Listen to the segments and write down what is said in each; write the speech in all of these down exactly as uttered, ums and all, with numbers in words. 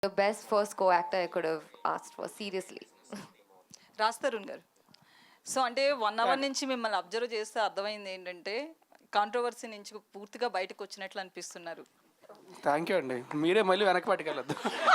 The best first co-actor I could have asked for, seriously. Raj Tarun గారు, so అంటే one hour నుంచి మిమ్మల్ని observe చేస్తే అర్థమైంది ఏంటంటే కాంట్రవర్సీ నుంచి పూర్తిగా బయటకు వచ్చినట్లు అనిపిస్తున్నారు. థ్యాంక్ యూ అండి, మీరే మళ్ళీ వెనక్కి పట్టుకెళ్ళొద్దు.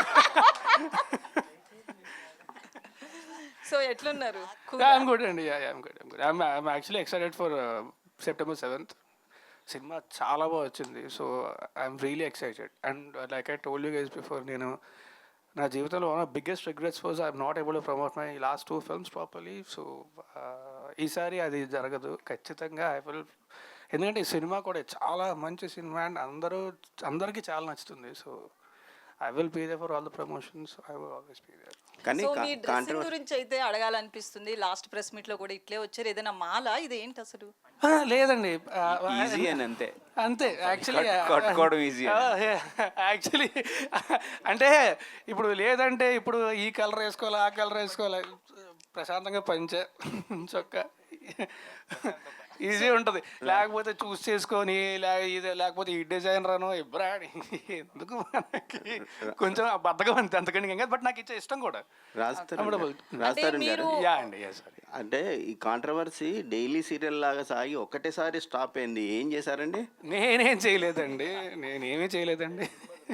సో ఎట్లున్నారు? ఐఎమ్ గుడ్ అండి, I'm good I'm good I'm I'm actually excited for September seventh. Cinema చాలా బాగా వచ్చింది, so I'm really excited. And like I told you guys before, నేను నా జీవితంలో one of biggest regrets was I'm not able to promote my last two films properly. So ఈసారి అది జరగదు ఖచ్చితంగా. ఐ విల్, ఎందుకంటే ఈ సినిమా కూడా చాలా మంచి సినిమా అండ్ అందరూ అందరికీ చాలా నచ్చుతుంది. So I will be there for all the promotions. I will always be there. కానీ మీ డ్రెస్సింగ్ గురించి అయితే అడగాలనిపిస్తుంది. లాస్ట్ ప్రెస్ మీట్ లో కూడా ఇట్లే వచ్చారు, ఏదైనా మాల ఇది ఏంటి అసలు? లేదండి, ఈజీ అని అంతే అంతే యాక్చువల్లీ కట్టుకోవడం ఈజీ. యాక్చువల్లీ అంటే ఇప్పుడు లేదంటే ఇప్పుడు ఈ కలర్ వేసుకోవాలి, ఆ కలర్ వేసుకోవాలి, ప్రశాంతంగా పంచే చొక్క ఈజీ ఉంటుంది. లేకపోతే చూస్ చేసుకొని ఇది లేకపోతే ఈ డిజైన్ రాను ఇబ్రాని ఎందుకు మనకి కొంచెం బద్దగా అంతే, అంతకంటే ఇంకా. బట్ నాకు ఇచ్చే ఇష్టం కూడా. యా అండి, అంటే ఈ కాంట్రవర్సీ డైలీ సీరియల్ లాగా సాగి ఒక్కటేసారి స్టాప్ అయింది. ఏం చేశారండి? నేనేం చేయలేదండి, నేనేమీ చేయలేదండి.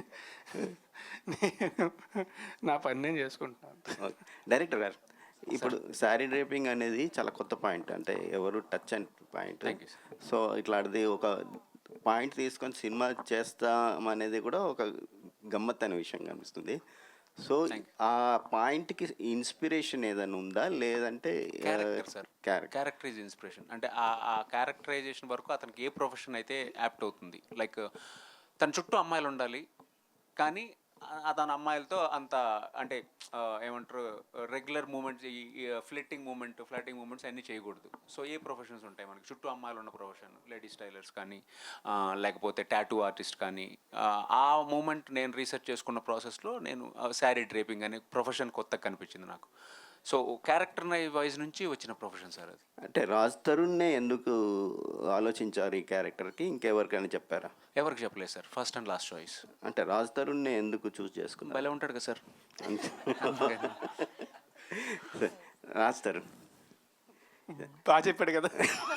నేను నా పని నేను చేసుకుంటున్నాను. డైరెక్టర్ గారు, ఇప్పుడు శారీ డ్రేపింగ్ అనేది చాలా కొత్త పాయింట్, అంటే ఎవరు టచ్ అండ్ పాయింట్. సో ఇట్లాంటిది ఒక పాయింట్ తీసుకొని సినిమా చేస్తాం అనేది కూడా ఒక గమ్మత్తైన విషయం కనిపిస్తుంది. సో ఆ పాయింట్కి ఇన్స్పిరేషన్ ఏదైనా ఉందా, లేదంటే క్యారెక్టర్ ఈజ్ ఇన్స్పిరేషన్. అంటే ఆ క్యారెక్టరైజేషన్ వరకు అతనికి ఏ ప్రొఫెషన్ అయితే యాప్ట్ అవుతుంది. లైక్ తన చుట్టూ అమ్మాయిలు ఉండాలి, కానీ తన అమ్మాయిలతో అంత అంటే ఏమంటారు రెగ్యులర్ మూమెంట్స్, ఈ ఫ్లిట్టింగ్ మూమెంట్ ఫ్లాటింగ్ మూమెంట్స్ అన్నీ చేయకూడదు. సో ఏ ప్రొఫెషన్స్ ఉంటాయి మనకి చుట్టూ అమ్మాయిలు ఉన్న ప్రొఫెషన్, లేడీస్ టైలర్స్ కానీ లేకపోతే టాటూ ఆర్టిస్ట్ కానీ. ఆ మూమెంట్ నేను రీసెర్చ్ చేసుకున్న ప్రాసెస్లో నేను శారీ డ్రేపింగ్ అనే ప్రొఫెషన్ కొత్తగా కనిపించింది నాకు. సో క్యారెక్టర్ వైజ్ నుంచి వచ్చిన ప్రొఫెషన్ సార్ అది. అంటే రాజ్ తరుణ్నే ఎందుకు ఆలోచించారు ఈ క్యారెక్టర్కి? ఇంకెవరికైనా చెప్పారా? ఎవరికి చెప్పలేదు sir, first and last choice. అంటే రాజ్ తరుణ్నే ఎందుకు చూస్ చేసుకున్నారు? భలే ఉంటాడు కదా సార్. రాజ్ తరుణ్ బాగా చెప్పాడు కదా.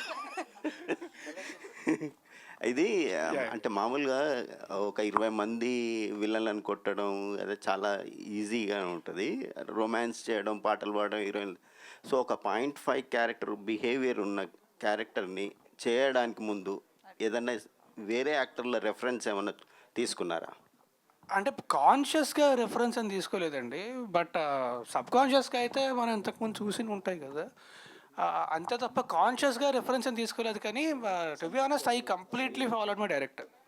ఇది అంటే మామూలుగా ఒక ఇరవై మంది విలన్లను కొట్టడం అదే చాలా ఈజీగా ఉంటుంది, రొమాన్స్ చేయడం, పాటలు పాడడం, హీరోయిన్. సో ఒక పాయింట్ ఫైవ్ క్యారెక్టర్ బిహేవియర్ ఉన్న క్యారెక్టర్ని చేయడానికి ముందు ఏదన్నా వేరే యాక్టర్ల రెఫరెన్స్ ఏమన్నా తీసుకున్నారా? అంటే కాన్షియస్గా రెఫరెన్స్ అని తీసుకోలేదండి, బట్ సబ్ కాన్షియస్గా అయితే మనం ఇంతకుముందు చూసి ఉంటాయి కదా, అంతే తప్ప కాన్షియస్గా రెఫరెన్స్ అని తీసుకోలేదు. కానీ to be honest, I completely followed my director.